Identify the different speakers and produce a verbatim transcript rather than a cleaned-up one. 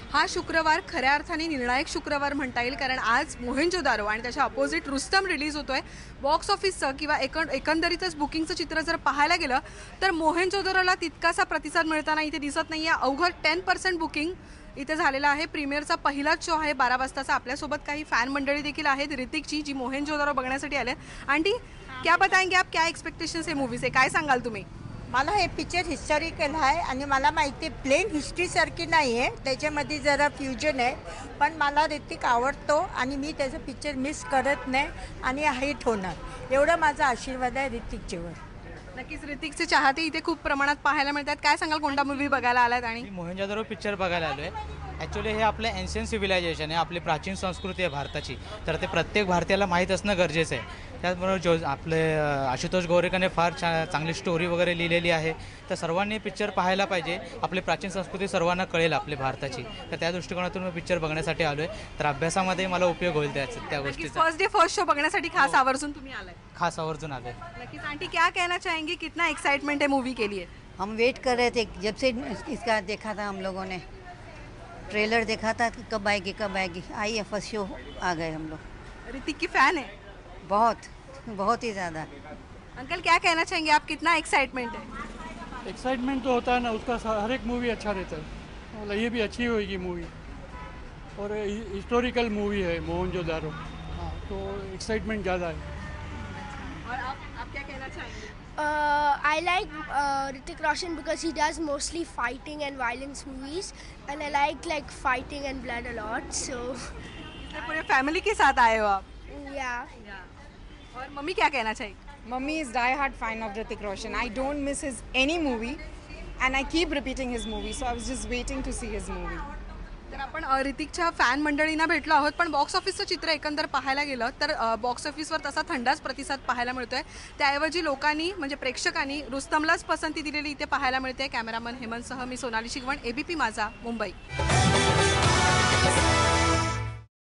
Speaker 1: हा शुक्रवार खऱ्या अर्थाने निर्णायक शुक्रवार म्हणता येईल, कारण आज मोहेंजोदारो आणि त्याच्या अपोजिट रुस्तम रिलीज होतोय. बॉक्स ऑफिसचं किंवा एकं एकंदरीतच बुकिंगचं चित्र जर पाहायला गेलं तर मोहेंजोदारोला तितकासा प्रतिसाद मिळताना इथे दिसत नाही आहे. अवघड टेन पर्सेंट बुकिंग इथे झालेलं आहे. प्रीमियरचा पहिलाच शो आहे बारा वाजताचा. आपल्यासोबत काही फॅन मंडळी देखील आहेत ऋतिकची, जी मोहेंजोदारो बघण्यासाठी आले. आंटी, क्या बताएंगे आप, क्या एक्सपेक्टेशन्स आहे मूवी से, काय सांगाल तुम्ही?
Speaker 2: मला हे पिक्चर हिस्टॉरिकल आहे आणि मला माहिती आहे प्लेन हिस्ट्रीसारखी नाही आहे, त्याच्यामध्ये जरा फ्युजन आहे. पण मला ऋतिक आवडतो आणि मी त्याचा पिक्चर मिस करत नाही आणि हिट होणार एवढा माझा आशीर्वाद आहे ऋतिकच्यावर.
Speaker 1: नक्कीच ऋतिकचे चाहते इथे खूप प्रमाणात पाहायला मिळतात. काय सांगाल, कोणता मूवी बघायला आलात? आणि
Speaker 3: मी मोहेंजोदारो पिक्चर बघायला आलो आहे. ॲक्च्युली हे आपलं एन्शियंट सिव्हिलायझेशन आहे, आपली प्राचीन संस्कृती आहे भारताची, तर ते प्रत्येक भारतीयाला माहीत असणं गरजेचं आहे. त्याचबरोबर जो आपले आशुतोष गोरेकरने फार छान चांगली स्टोरी वगैरे लिहिलेली आहे, तर सर्वांनी पिक्चर पाहायला पाहिजे. आपली प्राचीन संस्कृती सर्वांना कळेल आपली भारताची, तर त्या दृष्टिकोनातून मी पिक्चर बघण्यासाठी आलो आहे. तर अभ्यासामध्ये मला उपयोग होईल त्याचा त्या गोष्टीचा.
Speaker 1: फर्स्ट डे फर्स्ट शो बघण्यासाठी खास आवर्जून तुम्ही आलाय?
Speaker 3: खास आवर्जून आलो आहे.
Speaker 1: नक्कीच. आंटी, क्या कहना चाहेंगे, कितना एक्साइटमेंट है मूवी के लिए?
Speaker 4: हम वेट कर रहे थे जब से इसका देखा था, हम लोगों ने ट्रेलर देखा था कि कब आएगी कब आएगी. आई है फर्स्ट शो, आ गए हम लोग.
Speaker 1: ऋतिक की फैन है?
Speaker 4: बहुत बहुत ही ज़्यादा.
Speaker 1: अंकल, क्या कहना चाहेंगे आप, कितना एक्साइटमेंट है?
Speaker 5: एक्साइटमेंट तो होता है ना, उसका हर एक मूवी अच्छा रहता है. मतलब ये भी अच्छी होगी मूवी और हिस्टोरिकल मूवी है मोहनजोदारो. हाँ, तो एक्साइटमेंट ज़्यादा है.
Speaker 1: और आप आप क्या कहना चाहेंगे?
Speaker 6: Uh, I like uh, Hrithik Roshan because he does mostly fighting and violence movies, and I like like fighting and blood a lot. So
Speaker 1: इसलिए पूरे फैमिली के साथ आए हो आप?
Speaker 6: yeah.
Speaker 1: और मम्मी क्या कहना चाहिए?
Speaker 7: Mummy is die-hard fan of Hrithik Roshan. I don't miss his any movie, and I keep repeating his movie. So I was just waiting to see his movie.
Speaker 1: तर आपण अ, ऋतिकच्या फॅन मंडळींना भेटलो आहोत, पण बॉक्स ऑफिसचं चित्र एकंदर पाहायला गेलं तर अ, बॉक्स ऑफिसवर तसा थंडाच प्रतिसाद पाहायला मिळतोय. त्याऐवजी लोकांनी म्हणजे प्रेक्षकांनी रुस्तमलाच पसंती दिलेली इथे पाहायला मिळते. कॅमेरामन हेमंतसह मी सोनाली शिगवण, एबीपी माझा, मुंबई.